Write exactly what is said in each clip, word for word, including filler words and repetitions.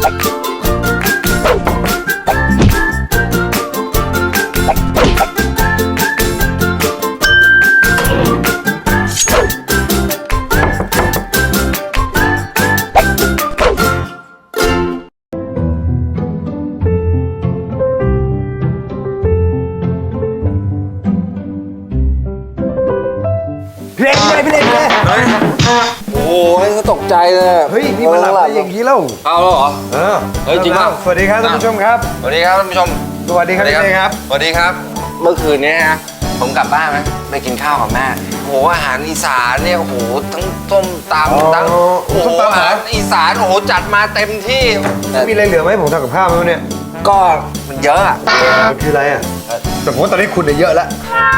พี่เล็กเลยพี่เล็กเลยโอ้ยเขาตกใจเลยเฮ้ยนี่มันหลับอะไรอย่างนี้แล้วเอาแล้วเหรอเออเฮ้ยจริงป่ะสวัสดีครับท่านผู้ชมครับสวัสดีครับท่านผู้ชมสวัสดีครับพี่เล็กครับสวัสดีครับเมื่อคืนนี้ฮะผมกลับบ้านไหมไปกินข้าวกับแม่โอ้โหอาหารอีสานเนี่ยโอ้โหทั้งต้มตำทั้งโอ้โหอาหารอีสานโอ้โหจัดมาเต็มที่มีอะไรเหลือไหมผมทำกับข้าวไหมเนี่ยก็มันเยอะอ่ะคืออะไรอ่ะแต่ผมว่าตอนนี้คุณเนี่ยเยอะแล้ว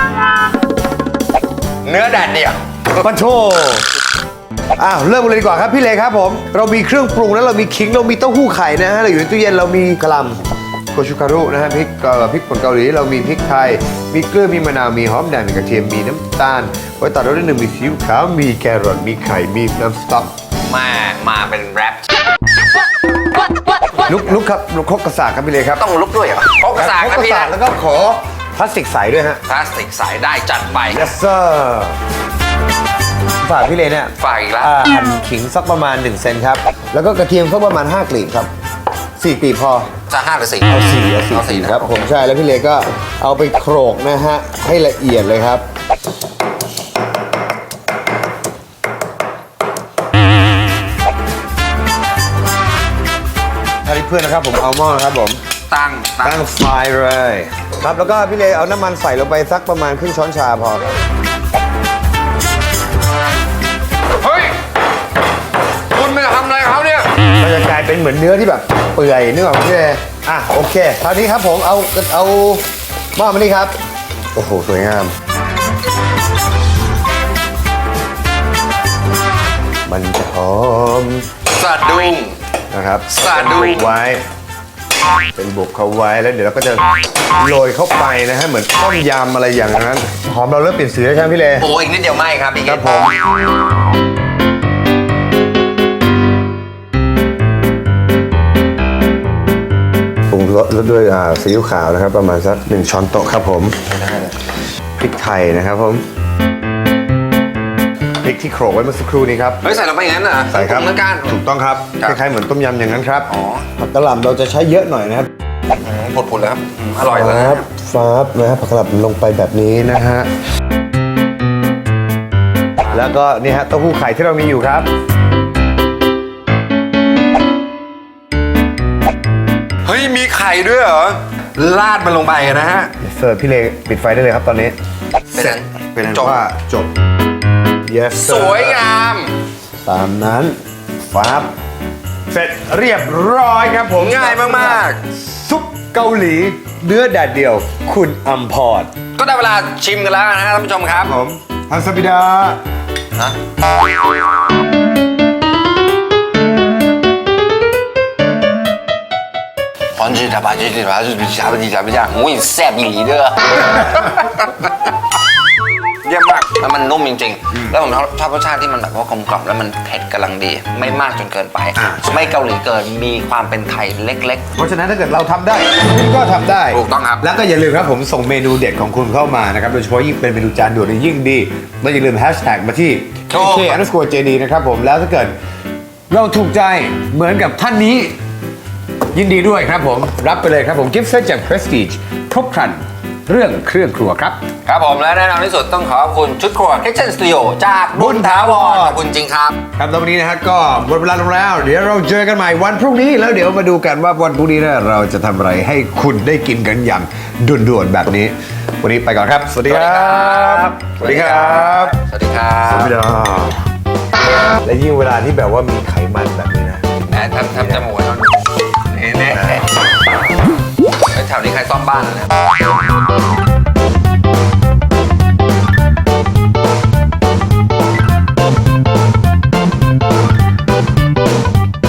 เนื้อแดดเดี่ยวปันโชอ้าวเริ่มกันเลยดีกว่าครับพี่เลครับผมเรามีเครื่องปรุงแล้วเรามีขิงเรามีเต้าหู้ไข่นะฮะเราอยู่ในตู้เย็นเรามีกะหล่ำโกชูคารุนะฮะพริกพริกป่นเกาหลีเรามีพริกไทยมีเกลือมีมะนาวมีหอมแดงมีกระเทียมมีน้ำตาลไว้ตัดเราด้วยหนึ่งมีซีอิ๊วขาวมีแครอทมีไข่มีน้ำสต๊อกมามาเป็นแรปลุกลุกครับลุกครกกระสากครับพี่เลครับต้องลุกด้วยเหรอครกกระสากนะพี่แล้วก็ขอพลาสติกใสด้วยฮะพลาสติกใสได้จัดไป yes sir ฝากพี่เลเนี่ยฝากอีกแล้วหั่นขิงสักประมาณหนึ่งเซนครับแล้วก็กระเทียมสักประมาณห้ากลีบครับสี่กลีบพอจะห้าหรือสี่เอาสี่เอาสี่ครับผมใช่แล้วพี่เลก็เอาไปโขลกนะฮะให้ละเอียดเลยครับถ้าเพื่อนนะครับผมเอาหม้อนะครับผมตั้งตั้งไฟเลยครับแล้วก็พี่เลเอาน้ำมันใส่ลงไปสักประมาณครึ่งช้อนชาพอครับเฮ้ยคุณไปทำอะไรเขาเนี่ยมันจะกลายเป็นเหมือนเนื้อที่แบบเปื่อยนึกออกไหมพี่เลอ่ะโอเคคราวนี้ครับผมเอาเอาหม้อมานี่ครับโอ้โหสวยงามมันจะหอมสะดุ้งนะครับสะดุ้งไว้เป็นบุกเขาไว้แล้วเดี๋ยวเราก็จะโรยเข้าไปนะฮะเหมือนต้มยำอะไรอย่างนั้นหอมเราเริ่มเปลี่ยนสีแล้วใช่ไหมพี่เลโอ้อีกนิดเดียวไหมครับพี่ครับผมปรุงรสด้วยซีอิ๊วขาวนะครับประมาณสักหนึ่งช้อนโต๊ะครับผมพริกไทยนะครับผมพริกที่โขลกไว้เมื่อสักครู่นี้ครับเฮ้ยใส่ลงไปอย่างนั้นเหรอใส่ครับเหมือนกันถูกต้องครับคล้ายๆเหมือนต้มยำอย่างนั้นครับอ๋อผักกะหล่ำเราจะใช้เยอะหน่อยนะครับผดๆเลยครับอร่อยเลยครับฟ้าบนะฮะผักกะหล่ำลงไปแบบนี้นะฮะแล้วก็นี่ฮะเต้าหู้ไข่ที่เรามีอยู่ครับเฮ้ยมีไข่ด้วยเหรอราดมันลงไปนะฮะเสิร์ฟพี่เลปิดไฟได้เลยครับตอนนี้เสร็จเป็นอันว่าจบYes, สวยงามตามนั้นฟับเสร็จเรียบร้อยครับผมง่ายมากๆซุปเกาหลีเนื้อแดดเดียวคุณอัมพรก็ได้เวลาชิมกันแล้วนะครับท่านผู้ชมครับผมฮันซาบิดาฮะพอนจีทาบาจีทาบาจีทาบาจีทาบาจีโอ้ยแซ่บอีหลีเด้อเยี่ยมมากแล้วมันนุ่มจริงๆแล้วผมชอบรสชาติที่มันแบบว่ากลมกล่อมแล้วมันเผ็ดกำลังดีไม่มากจนเกินไปไม่เกาหลีเกินมีความเป็นไทยเล็กๆเพราะฉะนั้นถ้าเกิดเราทำได้คุณก็ทำได้ถูกต้องครับแล้วก็อย่าลืมครับผมส่งเมนูเด็ดของคุณเข้ามานะครับโดยเฉพาะยิ่งเป็นเมนูจานด่วนยิ่งดีและอย่าลืมแฮชแท็กมาที่ เค เค อันเดอร์สโกร์ เจ ดี นะครับผมแล้วถ้าเกิดเราถูกใจเหมือนกับท่านนี้ยินดีด้วยครับผมรับไปเลยครับผมกิฟต์เซตจาก Prestige ครบครันเรื่องเครื่องครัวครับครับผมและแน่นอนที่สุดต้องขอบคุณชุดครัว Kitchen Studio จากบุญถาวรขอบคุณจริงครับครับแล้ววันนี้นะฮะก็หมดเวลาลงแล้วเดี๋ยวเราเจอกันใหม่วันพรุ่งนี้แล้วเดี๋ยวมาดูกันว่าวันพรุ่งนี้เราจะทำอะไรให้คุณได้กินกันอย่างด่วนๆแบบนี้วันนี้ไปก่อนครับสวัสดีครับสวัสดีครับสวัสดีครับสวัสดีครับและยิ่งเวลาที่แบบว่ามีไขมันแบบนี้นะทำทำจมูกไว้ตอนนี้แน่ๆแถวนี้ใครซ่อมบ้านนะ